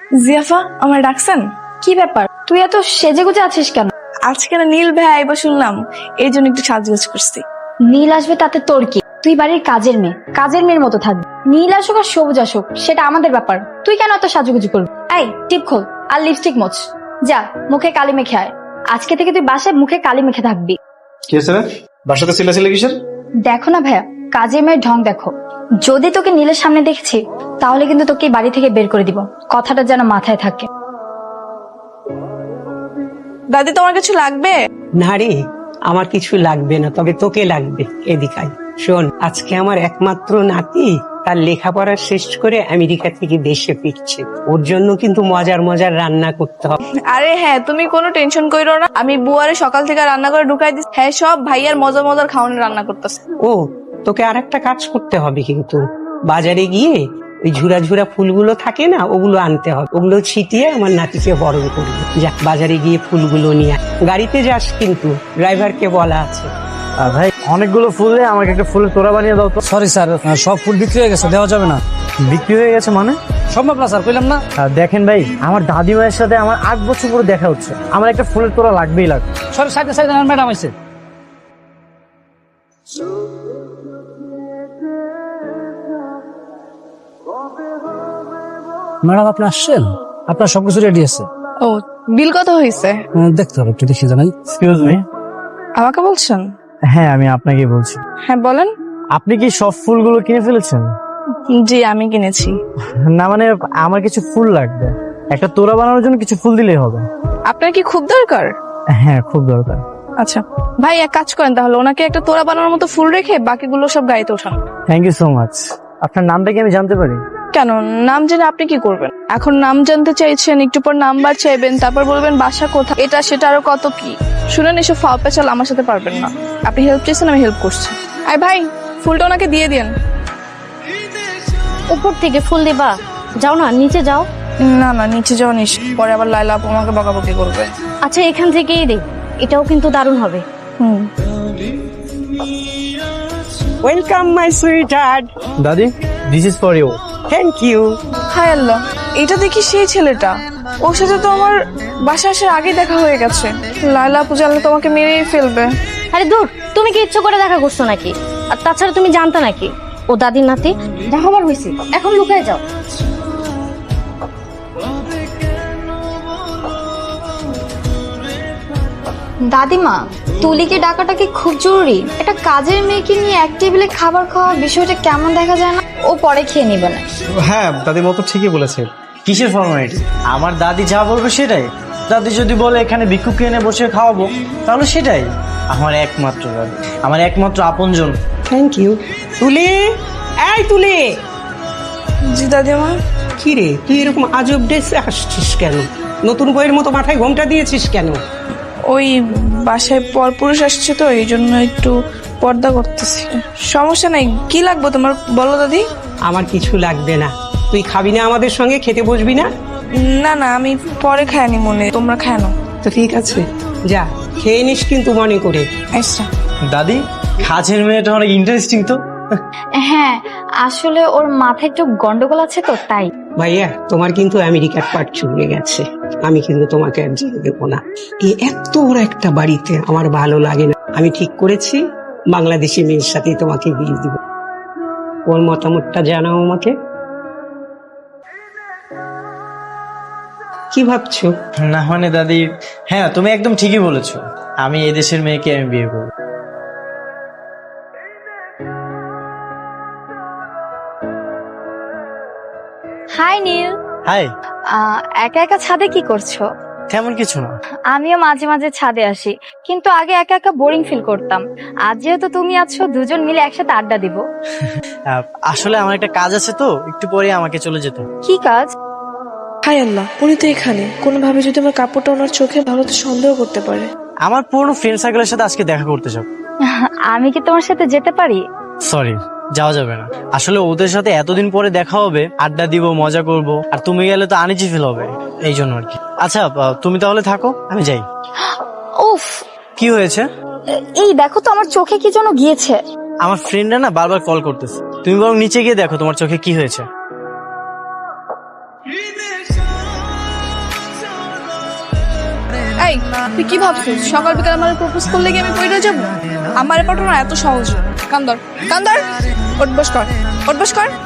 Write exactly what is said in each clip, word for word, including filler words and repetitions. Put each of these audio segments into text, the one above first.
জিয়াফা, আমার ডাকছেন? কি ব্যাপার, তুই এত সেজে গুজে আছিস কেন? আজকে না নীল ভাই আইবা শুনলাম, এই জন্য একটু সাজগোজ করছি। নীল আসবে তাতে তোর কি? তুই বাড়ির কাজের মেয়ে, কাজের মেয়ের মতো থাকবি। নীল আসুক আর সবুজ আসুক সেটা আমাদের ব্যাপার, তুই কেন এত সাজুগুজু করবি? এই টিপ খোল আর লিপস্টিক মোছ, যা মুখে কালি মেখে আয়। আজকে থেকে তুই বাসায় মুখে কালি মেখে থাকবি। কি হয়েছে রে? বাসাতে চিল্লাচিল্লি কিসের? দেখো না ভাইয়া, কাজের মেয়ের ঢং দেখো। যদি তোকে নীলের সামনে দেখছি তাহলে কিন্তু তোকে বাড়ি থেকে বের করে দিব, কথাটা যেন মাথায় থাকে। দাদি, তোমার কিছু লাগবে? না রে, আমার কিছু লাগবে না, তবে তোকে লাগবে। এদিকে আয়। শোন, আজকে আমার একমাত্র নাতি তার লেখাপড়া শেষ করে আমেরিকা থেকে দেশে ফিরছে। ওর জন্য কিন্তু মজার মজার রান্না করতে হবে। আরে হ্যাঁ, তুমি কোনো টেনশন কইরো না, আমি বুয়ারে সকাল থেকে রান্না করে ঢুকাই দিচ্ছি। হ্যাঁ, সব ভাইয়ার মজার মজার খাওয়ানোর রান্না করতেছে। ও, তোকে আর একটা কাজ করতে হবে, কিন্তু বাজারে গিয়ে ওই ঝুরা ঝুরা ফুলগুলো থাকে না, ওগুলো আনতে হবে। ওগুলো ছিটিয়ে আমার নাতিকে বরণ করবে। যা, বাজারে গিয়ে ফুলগুলো নিয়ে আয়। গাড়িতে যাস কিন্তু, ড্রাইভারকে বলা আছে। ভাই অনেকগুলো ফুল দিয়ে আমাকে একটা ফুলের তোড়া বানিয়ে দাও তো। সরি স্যার, সব ফুল বিক্রি হয়ে গেছে, দেওয়া যাবে না। বিক্রি হয়ে গেছে মানে? সম্ভব না স্যার, কইলাম না। আহ, দেখেন ভাই, আমার দাদিমায়ের সাথে আমার আট বছর পরে দেখা হচ্ছে, আমার একটা ফুলের তোড়া লাগবেই লাগবে। সরি, সাইডে সাইডে ম্যাডাম আছে। ম্যাডাম আপনি আসছেন, আপনার সবকিছু রেডি আছে। ও, বিল কত হয়েছে? উম, দেখতে হবে, একটু দেখি জানাই। Excuse me. আমাকে বলছেন? হ্যাঁ, আমি আপনাকে বলছি। হ্যাঁ বলেন। আপনি কি সব ফুলগুলো কিনে ফেলেছেন? জি, আমি কিনেছি। না মানে, আমার কিছু ফুল লাগবে, একটা তোড়া বানানোর জন্য কিছু ফুল দিলেই হবে। আপনার কি খুব দরকার? হ্যাঁ, খুব দরকার। আচ্ছা ভাই, এক কাজ করেন তাহলে, ওনাকে একটা তোড়া বানানোর মতো ফুল রেখে বাকিগুলো সব গাড়িতে ওঠান। Thank you so much. আপনার নামটা কি আমি জানতে পারি? কেন, নাম জেনে আপনি কি করবেন? এখন নাম জানতে চাইছেন, একটু পর নাম্বার চাইবেন, তারপর বলবেন বাসা কোথায়, এটা সেটা আরো কত কি। শুনেন, এসব ফাও পেঁচাল আমার সাথে পারবেন না। আপনি হেল্প চাইছেন, আমি হেল্প করছি। আই ভাই, ফুলটা ওনাকে দিয়ে দিন। উপর থেকে ফুল দিবা? যাও না, নিচে যাও। না না, নিচে যাওয়া নিস, পরে আবার লাইলা আপু আমাকে বকাবকি করবে। আচ্ছা, এখান থেকেই দে, এটাও কিন্তু দারুণ হবে। হুম। Welcome my sweetheart. দাদি, this is for you. Thank you. হায় আল্লাহ, এটা দেখি সেই ছেলেটা। ওর সাথে তো আমার বাসা আসার আগে দেখা হয়ে গেছে। লাইলা আপু জানলে তোমাকে মেরেই ফেলবে। আরে দূর, তুমি কি ইচ্ছে করে দেখা করছো নাকি? আর তাছাড়া তুমি জানতে নাকি ও দাদির নাতি? দেখা হবার হয়েছে, এখন লুকায় যাও। দাদিমা, তুলিকে ডাকাটা কি খুব জরুরি? একটা কাজের মেয়েকে নিয়ে এক টেবিলে খাবার খাওয়া বিষয়টা কেমন দেখা যায় না? ও পরে খেয়ে নিবে না। হ্যাঁ, দাদি মতো ঠিকই বলেছে। কিসের ফর্মালিটি? আমার দাদি যা বলবে সেটাই। দাদি যদি বলে এখানে ভিক্ষুক এনে বসে খাওয়াবো, তাহলে সেটাই। আমার একমাত্র দাদি, আমার একমাত্র আপনজন। Thank you. তুলে, এই তুলে। জি দাদিমা। কি রে, তুই এরকম আজব ড্রেসে আসছিস কেন? নতুন বইয়ের মতো মাথায় ঘোমটা দিয়েছিস কেন? ওই বাসায় পরপুরুষ আসছে তো, এই জন্য একটু পর্দা করতেছি। সমস্যা নাই, কি লাগবে তোমার বলো দাদি। আমার কিছু লাগবে না। তুই খাবি না আমাদের সঙ্গে? খেতে বসবি না? না না, আমি পরে খাইনি, মনে তোমরা খায় না। তো ঠিক আছে, যা খেয়ে নিস কিন্তু মনে করে। আচ্ছা। দাদি, কাজের মেয়েটা অনেক ইন্টারেস্টিং তো। হ্যাঁ, আসলে ওর মাথায় একটু গন্ডগোল আছে তো, তাই। ভাইয়া, তোমার কিন্তু আমেরিকার পাট চুকে গেছে। আমি কিন্তু তোমাকে আর যেতে দেবো না। এই এত বড় একটা বাড়িতে আমার ভালো লাগে না। আমি ঠিক করেছি, বাংলাদেশি মেয়ের সাথে তোমাকে বিয়ে দিব। ওর মতামতটা জানাও আমাকে। কি ভাবছো? না মানে দাদি, হ্যাঁ তুমি একদম ঠিকই বলেছো, আমি এই দেশের মেয়েকে আমি বিয়ে করবো। হাই নীল। হাই। আহ, একা একা ছাদে কি করছো? তেমন কিছু না। আমিও মাঝে মাঝে ছাদে আসি, কিন্তু আগে একা একা বোরিং ফিল করতাম। আজ যেহেতু তুমি আছো, দুজন মিলে একসাথে আড্ডা দিব। আহ, আসলে আমার একটা কাজ আছে তো, একটু পরে আমাকে চলে যেতে হবে। কি কাজ? হায় আল্লাহ, উনি তো এখানে। কোনোভাবে যদি আমার কাপড়টা ওনার চোখে ভালো, তো সন্দেহ করতে পারে। আমার পুরনো ফ্রেন্ড সার্কেলের সাথে আজকে দেখা করতে যাব। আমি কি তোমার সাথে যেতে পারি? সরি, যাওয়া যাবে না। আসলে ওদের সাথে এতদিন পরে দেখা হবে, আড্ডা দিব, মজা করব, আর তুমি গেলে তো আনিজি ফিল হবে, এই জন্য আর কি। আচ্ছা, আহ, তুমি তাহলে থাকো, আমি যাই। উফ, কি হয়েছে? এই দেখো তো, আমার চোখে কি যেন গিয়েছে। আমার ফ্রেন্ডরা না বারবার কল করতেছে, তুমি বরং নিচে গিয়ে দেখো তোমার চোখে কি হয়েছে। এই তুই কি ভাবছিস সকাল বিকাল আমার প্রপোজ করলে কি আমি পড়ে যাব? আমার পটানো এত সহজ না। কান্দর কান্দর ওঠ বস কর, ওঠ বস কর।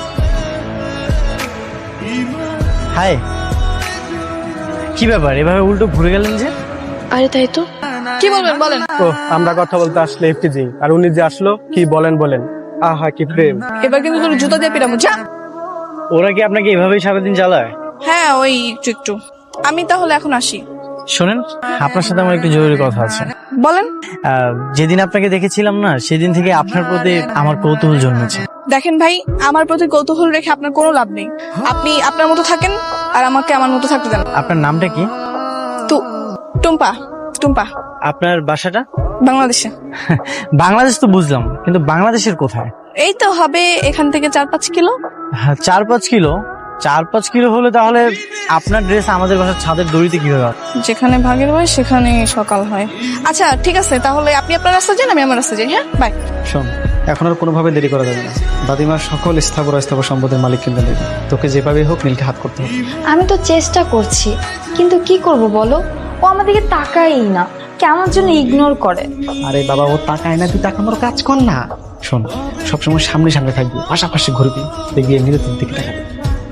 হাই, কি ব্যাপার এভাবে উল্টো ঘুরে গেলেন যে? আরে তাই তো, কি বলবেন বলেন। ও আমরা কথা বলতে আসলে এফটিজি আর উনি যে আসলো কি বলেন বলেন আহা কি প্রেম। এবার কিন্তু তোর জুতা দিয়ে পিরামো যা। ওরা কি আপনাকে এভাবেই সারাদিন চালায়? হ্যাঁ ওই একটু একটু। আমি তাহলে এখন আসি। শোনেন, আপনার সাথে আমার একটু জরুরি কথা আছে। বলেন। আহ, যেদিন আপনাকে দেখেছিলাম না, সেদিন থেকে আপনার প্রতি আমার কৌতূহল জন্মেছে। দেখেন ভাই, আমার প্রতি কৌতূহল রেখে আপনার কোনো লাভ নেই। আপনি আপনার মতো থাকেন আর আমাকে আমার মতো থাকতে দেন। আপনার নামটা কি? তো টুম্পা, টুম্পা। আপনার বাসাটা? বাংলাদেশে। বাংলাদেশ তো বুঝলাম, কিন্তু বাংলাদেশের কোথায়? এই তো হবে এখান থেকে চার পাঁচ কিলো। হ্যাঁ, চার পাঁচ কিলো চার পাঁচ কিলো হলে তাহলে আপনার ড্রেস আমাদের বাসার ছাদের দড়িতে কিভাবে হবে? যেখানে ভাগের হয় সেখানে সকাল হয়। আচ্ছা ঠিক আছে, তাহলে আপনি আপনার রাস্তা যান, আমি আমার রাস্তা যাই। হ্যাঁ বাই। শোন, এখন আর কোনোভাবে দেরি করা যাবে না। দাদিমার সকল স্থাবর অস্থাবর সম্পদের মালিক কিন্তু নেবে। তোকে যেভাবে হোক নীলকে হাত করতে হবে। আমি তো চেষ্টা করছি, কিন্তু কি করব বলো, ও আমাদেরকে তাকাই না, কেমন জন্য ইগনোর করে। আরে বাবা, ও তাকায় না, তুই তাকানোর কাজ কর না। শোন, সবসময় সামনে সামনে থাকবি, পাশাপাশি ঘুরবি, দেখবি এমনিতে তোর দিকে তাকাবি।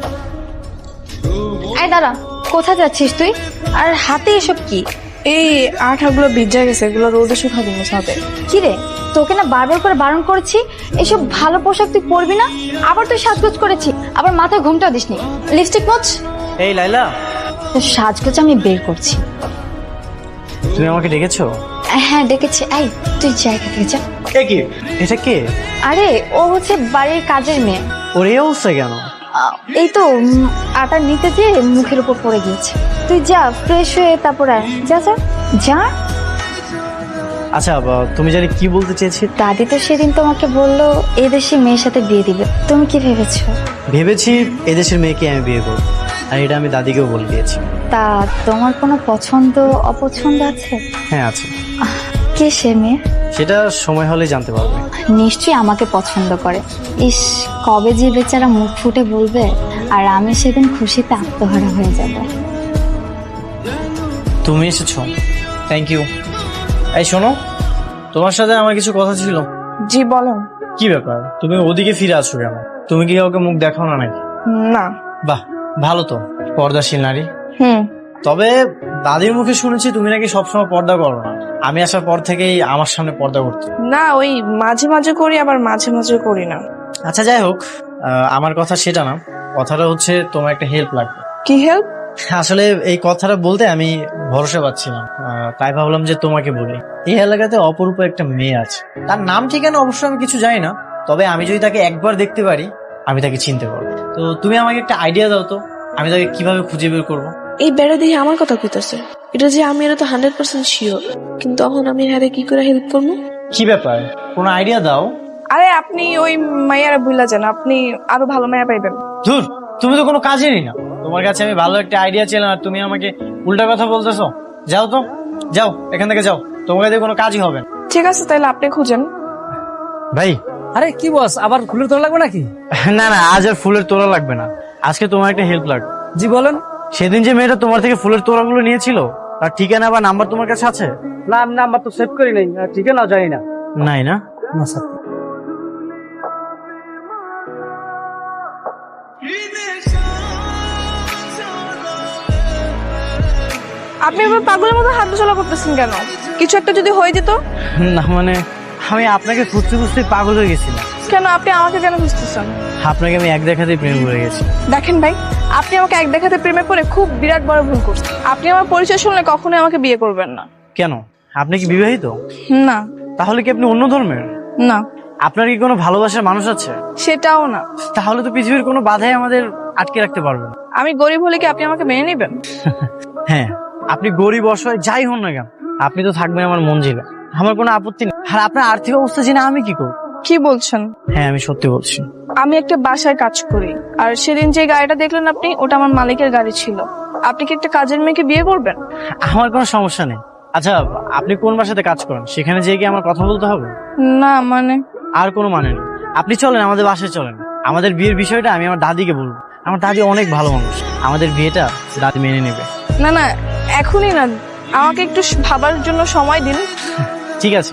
এই দাঁড়া, কোথায় যাচ্ছিস তুই? আর হাতে এসব কি? এই আঠাগুলো ভিজা গেছে, এগুলো রোদে শুকাবো হবে। কি রে, তোকে না বারবার করে বারণ করেছি এসব ভালো পোশাক তুই পরবি না। আবার তুই সাজগোজ করেছি, আবার মাথায় ঘুমটা দিসনি। লিপস্টিক মোচ। এই লাইলা, তোর সাজগোজ আমি বের করছি। তুমি আমাকে ডেকেছো? হ্যাঁ ডেকেছি। এই তুই জায়গা থেকে যা। এ কি, এটা কে? আরে ও হচ্ছে বাড়ির কাজের মেয়ে। ওর এই অবস্থা কেন? আহ, এই তো উম, আটা নিতে যেয়ে মুখের উপর পড়ে গিয়েছে। তুই যা ফ্রেশ হয়ে তারপর আয়। যা যা যা। আচ্ছা, বা- তুমি জানি কি বলতে চেয়েছি? দাদি তো সেদিন তোমাকে বললো এই দেশে মেয়ের সাথে বিয়ে দিবে, তুমি কি ভেবেছো? ভেবেছি এদেশের মেয়েকে আমি বিয়ে করবো, আর এটা আমি দাদিকেও বলে দিয়েছি। তা তোমার কোনো পছন্দ অপছন্দ আছে? হ্যাঁ আছে। কে সে মেয়ে? সেটা সময় হলে জানতে পারবে। নিশ্চয়ই আমাকে পছন্দ করে। ইস, কবে যে বেচারা মুখ ফুটে বলবে, আর আমি সেদিন খুশিতে আত্মহারা হয়ে যাব। তুমি এসেছো, থ্যাংক ইউ। এই শোনো, তোমার সাথে আমার কিছু কথা ছিল। জি বলেন। কি ব্যাপার, তুমি ওদিকে ফিরে আসছো কেন? তুমি কি কাউকে মুখ দেখাও না নাকি? না। বাহ, ভালো তো, পর্দাশীল নারী। হুম। তবে দাদির মুখে শুনেছি তুমি নাকি সবসময় পর্দা করো না। আমি আসার পর থেকেই আমার সামনে পর্দা করতে। না, ওই মাঝে মাঝে করি, আবার মাঝে মাঝে করি না। আচ্ছা যাই হোক, আহ, আমার কথা সেটা না, কথাটা হচ্ছে তোমার একটা হেল্প লাগবে। কি হেল্প? আসলে এই কথাটা বলতে আমি ভরসা পাচ্ছিলাম, আহ, তাই ভাবলাম যে তোমাকে বলি। এই এলাকাতে অপরূপ একটা মেয়ে আছে, তার নাম ঠিকানা অবশ্য আমি কিছু জানি না, তবে আমি যদি তাকে একবার দেখতে পারি আমি তাকে চিনতে পারবো। তো তুমি আমাকে একটা আইডিয়া দাও তো, আমি তাকে কিভাবে খুঁজে বের করবো? এই বেড়া দিয়ে আমার কথা কইতাছে, এটা যে আমি এটা তো হান্ড্রেড পার্সেন্ট শিওর, কিন্তু তখন আমি হ্যাঁ কি করে হেল্প করবো? কি ব্যাপার, কোনো আইডিয়া দাও। আরে আপনি ওই মাইয়ারা ভুলা যান, আপনি আরো ভালো মায়া পাইবেন। ধুর, তুমি তো কোনো কাজেরই না। তোমার কাছে আমি ভালো একটা আইডিয়া ছিলাম আর তুমি আমাকে উল্টা কথা বলতেছো। যাও তো, যাও এখান থেকে যাও, তোমার কাছে কোনো কাজই হবে না। ঠিক আছে, তাহলে আপনি খুঁজেন। ভাই, আরে কি বস, আবার ফুলের তোলা লাগবে নাকি? না না, আজ আর ফুলের তোড়া লাগবে না, আজকে তোমার একটা হেল্প লাগবে। জি বলেন। সেদিন যে মেয়েটা তোমার থেকে ফুলের তোড়াগুলো নিয়েছিল, তার ঠিকানা বা নাম্বার তোমার কাছে আছে? না, নাম্বার তো সেভ করি নাই, ঠিকানা জানি না। নাই না? না স্যার। আপনি এবার পাগলের মতো হাত চলা করতেছেন কেন? কিছু একটা যদি হয়ে যেত? না মানে আমি আপনাকে খুঁজতে খুঁজতে পাগল হয়ে গেছিলাম। কেন আপনি আমাকে কেন খুঁজতেছেন? আপনাকে আমি এক দেখাতেই প্রেম করে গেছি। দেখেন ভাই, আপনি আমাকে এক দেখাতে প্রেমে পড়ে খুব বিরাট বড় ভুল করছেন। আপনি আমার পরিচয় শুনলে কখনোই আমাকে বিয়ে করবেন না। কেন, আপনি কি বিবাহিত? না। তাহলে কি আপনি অন্য ধর্মের? না। আপনার কি কোনো ভালোবাসার মানুষ আছে? সেটাও না। তাহলে তো পৃথিবীর কোনো বাধাই আমাদের আটকে রাখতে পারবে না। আমি গরিব হলে কি আপনি আমাকে মেনে নেবেন? হ্যাঁ, আপনি গরিব অসহায় যাই হন না কেন, আপনি তো থাকবেন আমার মঞ্জিলে, আমার কোনো আপত্তি নেই। আর আপনার আর্থিক অবস্থা জেনে আমি কি করব? কি বলছেন? হ্যাঁ, আমি সত্যি বলছি। আমি একটা বাসায় কাজ করি, আর সেদিন যে গাড়িটা দেখলেন আপনি, ওটা আমার মালিকের গাড়ি ছিল। আপনি কি একটা কাজের মেয়েকে বিয়ে করবেন? আমার কোনো সমস্যা নেই। আচ্ছা, আপনি কোন বাসাতে কাজ করেন? সেখানে যেয়ে কি আমার কথা বলতে হবে? না মানে? আর কোনো মানে নেই, আপনি চলেন আমাদের বাসায় চলেন। আমাদের বিয়ের বিষয়টা আমি আমার দাদিকে বলবো। আমার দাদি অনেক ভালো মানুষ, আমাদের বিয়েটা দাদি মেনে নেবে। না না, এখনই না, আমাকে একটু ভাবার জন্য সময় দিন। ঠিক আছে।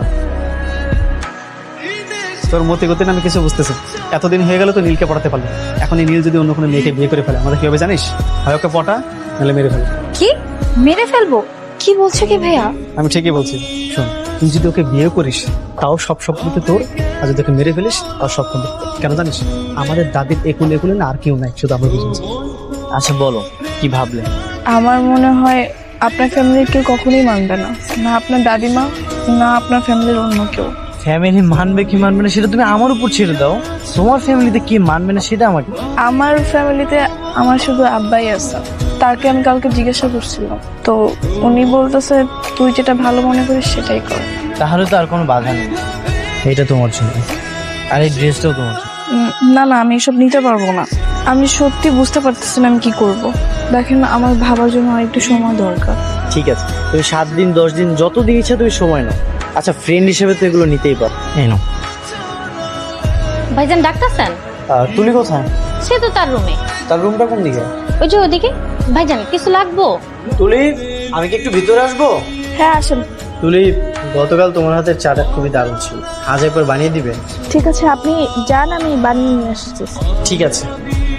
তোর মতে গতি না আমি কিছু বুঝতেছি। এতদিন হয়ে গেল তো নীলকে পড়াতে পারলো, এখন এই নীল যদি অন্য কোনো মেয়েকে বিয়ে করে ফেলে আমাদের কি হবে জানিস? হয় ওকে পটা নাহলে মেরে ফেলে। কি মেরে ফেলবো? কি বলছো কি ভাইয়া? আমি ঠিকই বলছি। শোন, তুই যদি ওকে বিয়ে করিস তাও সব সম্পত্তি তোর, আর যদি ওকে মেরে ফেলিস তাও সব সম্পত্তি। কেন জানিস? আমাদের দাদির একুল একুলে না আর কেউ নাই, শুধু আমরা বুঝেছি। আচ্ছা বলো কি ভাবলে? আমার মনে হয় আপনার ফ্যামিলির কেউ কখনোই মানবে না, না আপনার দাদিমা না আপনার ফ্যামিলির অন্য কেউ। ফ্যামিলি মানবে কি মানবে না সেটা তুমি আমার উপর ছেড়ে দাও। তোমার ফ্যামিলিতে কি মানবে না সেটা আমাকে। আমার ফ্যামিলিতে আমার শুধু আব্বাই আছে। তাকে আমি কালকে জিজ্ঞাসা করছিলাম, তো উনি বলতেছে তুই যেটা ভালো মনে করিস সেটাই কর। তাহলে তো আর কোনো বাধা নেই। এটা তোমার জন্য, আর এই ড্রেসটাও তোমার জন্য। উম, না না আমি এসব নিতে পারবো না। আমি সত্যি বুঝতে পারতেছি না আমি কি করব। দেখেন আমার ভাবার জন্য আর একটু সময় দরকার। ঠিক আছে, তুমি সাত দিন দশ দিন যত দিন ইচ্ছা তুমি সময় নাও। আচ্ছা ফ্রেন্ড হিসেবে তো এগুলো নিতেই পারো। এই নাও। ভাইজান ডাক্তার স্যার? আহ, তুলি কোথায়? সে তো তার রুমে। তার রুমটা কোন দিকে? ওই যে ওদিকে। ভাইজান কিছু লাগবো? তুলি, আমি কি একটু ভিতরে আসবো? হ্যাঁ আসেন। তুলি, গতকাল তোমার হাতের চাটা খুবই দারুণ ছিল, আজ একবার বানিয়ে দিবে? ঠিক আছে আপনি যান, আমি বানিয়ে নিয়ে আসছি। ঠিক আছে।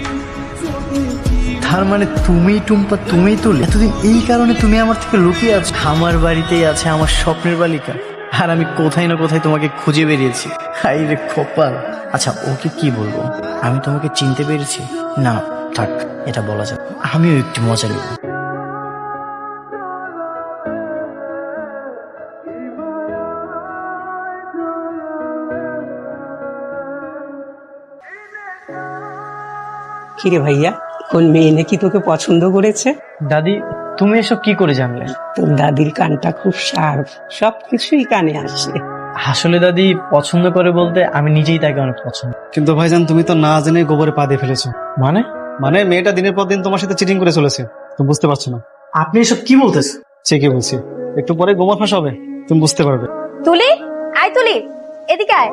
তার মানে তুমি টুম্পা, তুমি তুলি, এতদিন এই কারণে তুমি আমার থেকে লুকিয়ে আছো। আমার বাড়িতেই আছে আমার স্বপ্নের বালিকা, আর আমি কোথায় না কোথায় তোমাকে খুঁজে বেরিয়েছি। হাই রে কপাল। আচ্ছা ওকে কি বলবো? আমি তোমাকে চিনতে পেরেছি? না থাক, এটা বলা যাবে। আমিও একটু মজা নেব। কিরে ভাইয়া, কোন মেয়ে নাকি তোকে পছন্দ করেছে? দাদি, তুমি এসব কি করে জানলে? তোর দাদির কানটা খুব শার্প, সবকিছুই কানে আসে। আসলে দাদি পছন্দ করে বলতে আমি নিজেই তাকে অনেক পছন্দ। কিন্তু ভাইজান তুমি তো না জেনে গোবরে পা দিয়ে ফেলেছো। মানে? মানে মেয়েটা দিনের পর দিন তোমার সাথে চিটিং করে চলেছে, তুমি বুঝতে পারছো না। আপনি এসব কি বলতেছেন? ঠিকই বলছি, একটু পরে গোমর ফাঁস হবে, তুমি বুঝতে পারবে। তুলি, আয় তুলি, এদিকে আয়।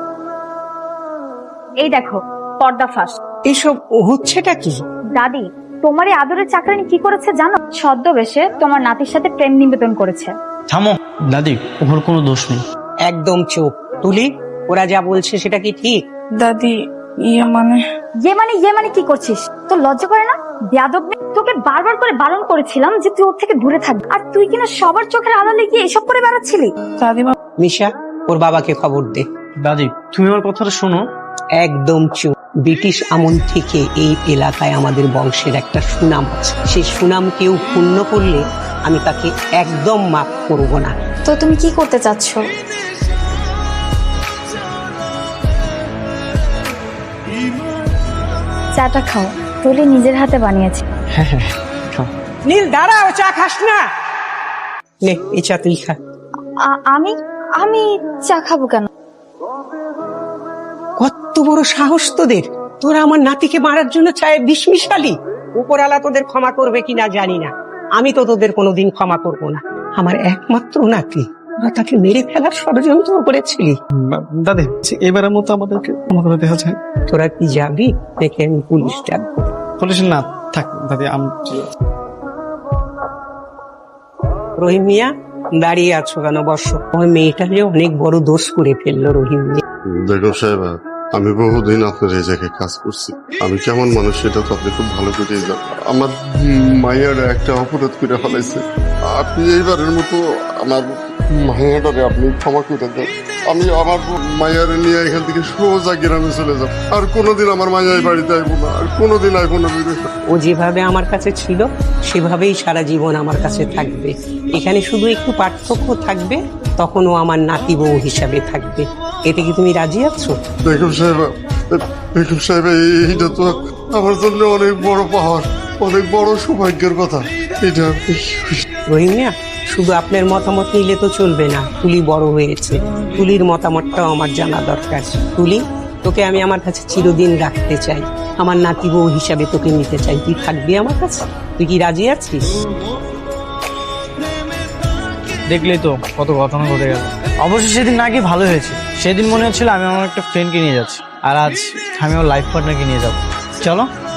এই দেখো পর্দা ফাঁস। এসব হচ্ছেটা কি? দাদি তোমার এই আদরের চাকরানি কি করেছে জানো? ছদ্মবেশে তোমার নাতির সাথে প্রেম নিবেদন করেছে। থামো দাদি, ওর কোনো দোষ নেই। একদম চুপ। তুলি, ওরা যা বলছে সেটা কি ঠিক? দাদি ইয়ে মানে ইয়ে মানে ইয়ে মানে কি করছিস? তোর লজ্জা করে না? বেয়াদব মেয়ে। তোকে বারবার করে বারণ করেছিলাম যে তুই ওর থেকে দূরে থাকবি, আর তুই কিনা সবার চোখের আড়ালে গিয়ে এসব করে বেড়াচ্ছিলি। দাদিমা। মিশা, ওর বাবাকে খবর দে। দাদি তুমি আমার কথাটা শোনো। একদম চুপ। ব্রিটিশ আমল থেকে এই এলাকায় আমাদের বংশের একটা সুনাম আছে, সেই সুনাম কেউ ক্ষুণ্ণ করলে আমি তাকে একদম মাফ করব না। তো তুমি কি করতে চাচ্ছ? চাটা খাও, তুলি নিজের হাতে বানিয়েছে। হ্যাঁ হ্যাঁ খাও। নীল দাঁড়াও, চা খাস না? নে এই চা তুই খা। আ- আমি আমি চা খাবো কেন? কত বড় সাহস তোদের! তোরা আমার নাতিকে মারার জন্য চায়ে বিষ মিশালি। উপরালা তোদের ক্ষমা করবে কিনা জানি না, আমি তো তোদের কোনোদিন ক্ষমা করব না। আমার একমাত্র নাতি, তোরা তাকে মেরে ফেলার ষড়যন্ত্র করেছিলি। দাদি এবারের মতো আমাদেরকে ক্ষমা করে দেওয়া যায়। তোরা কি যাবি দেখে আমি পুলিশ ডাকবো? পুলিশ না থাক দাদি, আমি রহিম মিয়া, দাঁড়িয়ে আছো কেন? বসো। ওই মেয়েটা যে অনেক বড় দোষ করে ফেললো রহিম মিয়া। দেখো সাহেব, আমি বহুদিন আপনার এই জায়গায় কাজ করছি, আমি কেমন মানুষ সেটা তো আপনি খুব ভালো করে জানেন। আমার মায়ের একটা অপরাধ করে ফেলাইছে, আপনি এইবারের মতো আমার মায়াটারে আপনি ক্ষমা করে দেন। আমি আমার মায়ের নিয়ে এখান থেকে সোজা গ্রামে চলে যাব, আর কোনোদিন আমার মায়া এই বাড়িতে আইবো না, আর কোনোদিন আইবো না। ও যেভাবে আমার কাছে ছিল সেভাবেই সারা জীবন আমার কাছে থাকবে। এখানে শুধু একটু পার্থক্য থাকবে, তখন ও আমার নাতি বউ হিসাবে থাকবে। এতে কি তুমি রাজি আছো? বেগম সাহেব, বেগম সাহেব এইটা তো আমার জন্য অনেক বড় পাওয়ার, অনেক বড় সৌভাগ্যের কথা। এটা রহিম মিয়া, শুধু আপনার মতামত নিলে তো চলবে না। তুলি বড় হয়েছে, তুলির মতামতটাও আমার জানা দরকার। তুলি, তোকে আমি আমার কাছে চিরদিন রাখতে চাই, আমার নাতি বউ হিসাবে তোকে নিতে চাই। তুই থাকবি আমার কাছে? তুই কি রাজি আছিস? দেখলেই তো কত ঘটনা ঘটে গেল। অবশ্য সেদিন নাকি ভালো হয়েছে, সেদিন মনে হচ্ছিল আমি আমার একটা ফ্রেন্ডকে নিয়ে যাচ্ছি, আর আজ আমি আমার লাইফ পার্টনারকে নিয়ে যাবো। চলো।